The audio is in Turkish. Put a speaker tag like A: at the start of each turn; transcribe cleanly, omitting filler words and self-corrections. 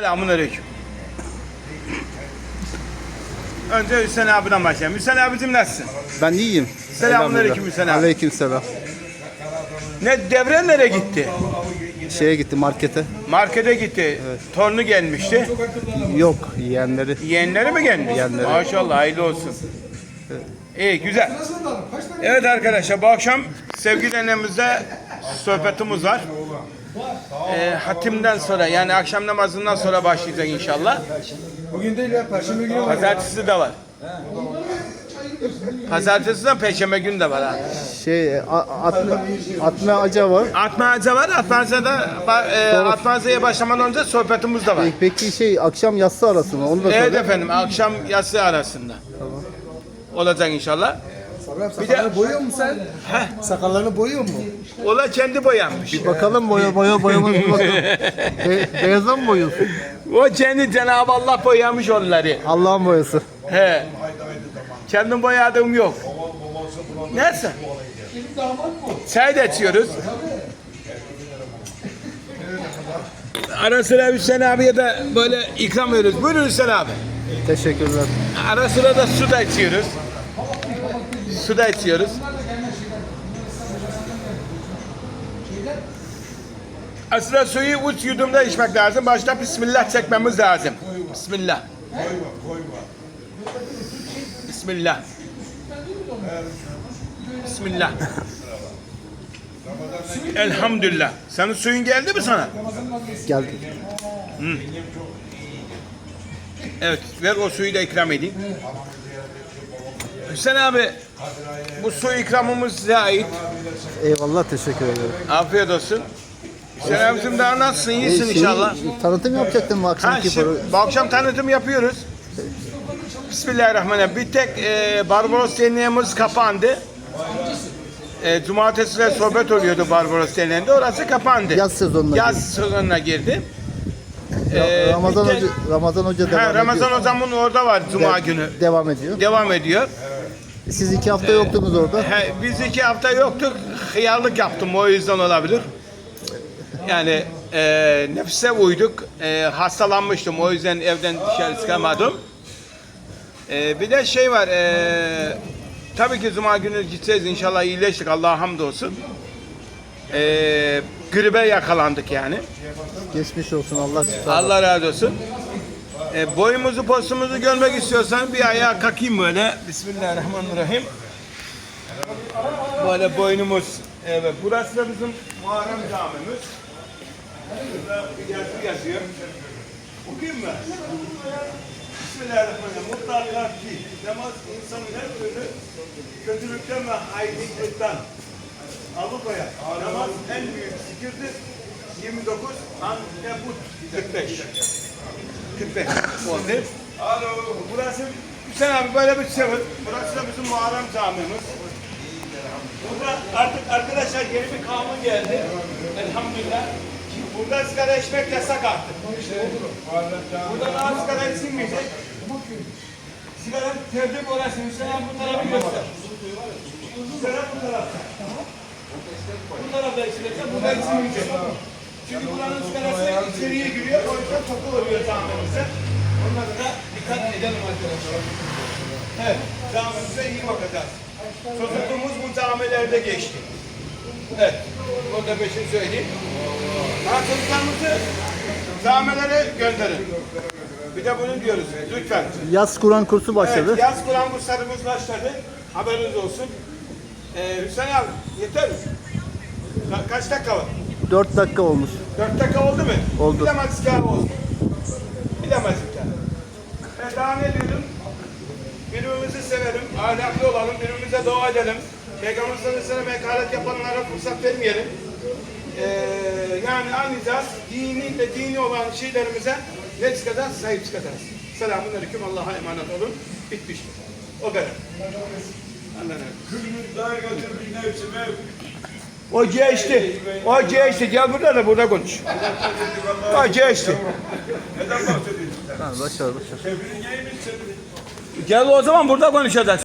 A: Selamünaleyküm. Önce Hüseyin abiden başlayalım. Hüseyin abicim nasılsın?
B: Ben iyiyim.
A: Selamünaleyküm Hüseyin abi.
B: Aleykümselam.
A: Ne devre nereye gitti?
B: Şeye gitti markete.
A: Markete gitti. Evet. Torunu gelmişti.
B: Yok yeğenleri.
A: Yeğenleri mi gelmiş?
B: Yeğenleri.
A: Maşallah hayırlı olsun. İyi güzel. Evet arkadaşlar bu akşam sevgili annemizde sohbetimiz var. Hatimden sonra yani akşam namazından sonra başlayacak inşallah.
C: Bugün değil ya, Perşembe günü var.
A: Pazartesi de var. Pazartesi de Perşembe günü de var ha.
B: Atma Aca var.
A: Atmaca var. Atmaca'ya başlamadan önce sohbetimiz de var.
B: Peki akşam yatsı arası mı? Onu da
A: Evet
B: söyle.
A: efendim akşam yatsı arasında. Tamam. Olacak inşallah.
C: Sakallarını boyuyor musun sen? Sakallarını boyuyor mu?
A: Ola kendi boyanmış.
B: Bir bakalım boyamız bir bakalım. Beyaza mı boyuyorsun?
A: O kendi Cenab-ı Allah boyamış onları.
B: Allah'ın boyası.
A: He. Kendim boyadığım yok. Neyse. Çay da içiyoruz. Ara sıra Hüseyin abiye de böyle ikram veriyoruz. Buyurun Hüseyin abi.
B: Teşekkürler.
A: Ara sıra da su da içiyoruz. Su da içiyoruz. Aslında suyu 3 yudumda içmek lazım. Başta Bismillah çekmemiz lazım. Bismillah. Bismillah. Bismillah. Elhamdülillah. Senin suyun geldi mi sana?
B: Geldi.
A: Evet, ver o suyu da ikram edeyim. Hüseyin abi, bu su ikramımız size ait.
B: Eyvallah teşekkür ederim.
A: Afiyet olsun. Hüseyin abicim daha nasılsın? İyisin inşallah.
B: Tanıtım yapacaktım bu
A: Ha,
B: akşamki
A: şimdi, bu akşam tanıtım yapıyoruz. Bismillahirrahmanirrahim. Bir tek Barbaros Derneğimiz kapandı. Cumartesi de sohbet oluyordu Barbaros Derneği'nde. Orası kapandı.
B: Yaz sezonuna
A: girdi.
B: Ramazan Hoca devam ediyor.
A: Ramazan hocamın orada var Cuma günü.
B: Devam ediyor.
A: Devam ediyor.
B: Siz 2 hafta yoktunuz orada.
A: Biz 2 hafta yoktuk. Hıyarlık yaptım o yüzden olabilir. Yani nefse uyduk. Hastalanmıştım o yüzden evden dışarı çıkamadım. Bir de şey var. Tabii ki Cuma günü gideceğiz inşallah iyileştik Allah'a hamdolsun. Gribe yakalandık yani.
B: Geçmiş olsun Allah şifa.
A: Allah razı olsun. Boyumuzu postumuzu görmek istiyorsan bir ayağa kalkayım böyle. Bismillahirrahmanirrahim. Böyle boynumuz. Evet, burası da bizim Muharrem camimiz. Burada bir yazı yazıyor. Okuyayım mı? Bismillahirrahmanirrahim. Mutlaka ki namaz insanın her türlü kötülükten ve haydiklikten alıkoyar. Namaz en büyük zikirdir. 29 Ankebut 45. 45 oldu. Burası Hüseyin abi böyle bir şey var. Burası da bizim Muharrem camimiz. Burada artık arkadaşlar yeni bir kanun geldi. Elhamdülillah. Burada sigara içmek yasak artık. Burada daha sigara içilmeyecek. Sigara tevdik orası. Hüseyin abi bu tarafı göster. Sigara bu tarafta. Bu tarafta içilecek, burada içilmeyecek. Çünkü buranın sigarası içeriye giriyor, o yüzden koku oluyor camimizde. Onlara da dikkat edelim arkadaşlar. Evet, camimize iyi bakacağız. Çocukluğumuz bu camilerde geçti. Evet, burada peşin söyleyeyim. Çocuklarımızı camilere gönderin. Bir de bunu diyoruz, lütfen.
B: Yaz Kur'an kursu başladı.
A: Evet, yaz Kur'an kurslarımız başladı. Haberiniz olsun. Hüseyin abi, yeter mi? Kaç dakika var?
B: 4 dakika olmuş.
A: 4 dakika oldu mu?
B: Oldu.
A: Bilemezdik abi oldu. Bilemezdik yani. Ben daha ne diyordum? Birbirimizi sevelim, ahlaklı olalım, birbirimize dua edelim. Peygamber sallallahu aleyhi ve sellem hakaret yapanlara fırsat vermeyelim. Yani anlayacağız, dini olan şeylerimize ne çıkacağız? Sahip çıkacağız. Selamun aleyküm, Allah'a emanet olun. Bitmiştir. O kadar. Allah'a emanet. O geçti. O geçti. Gel burada da burada konuş. O geçti.
B: Başar.
A: Gel o zaman burada konuşacağız.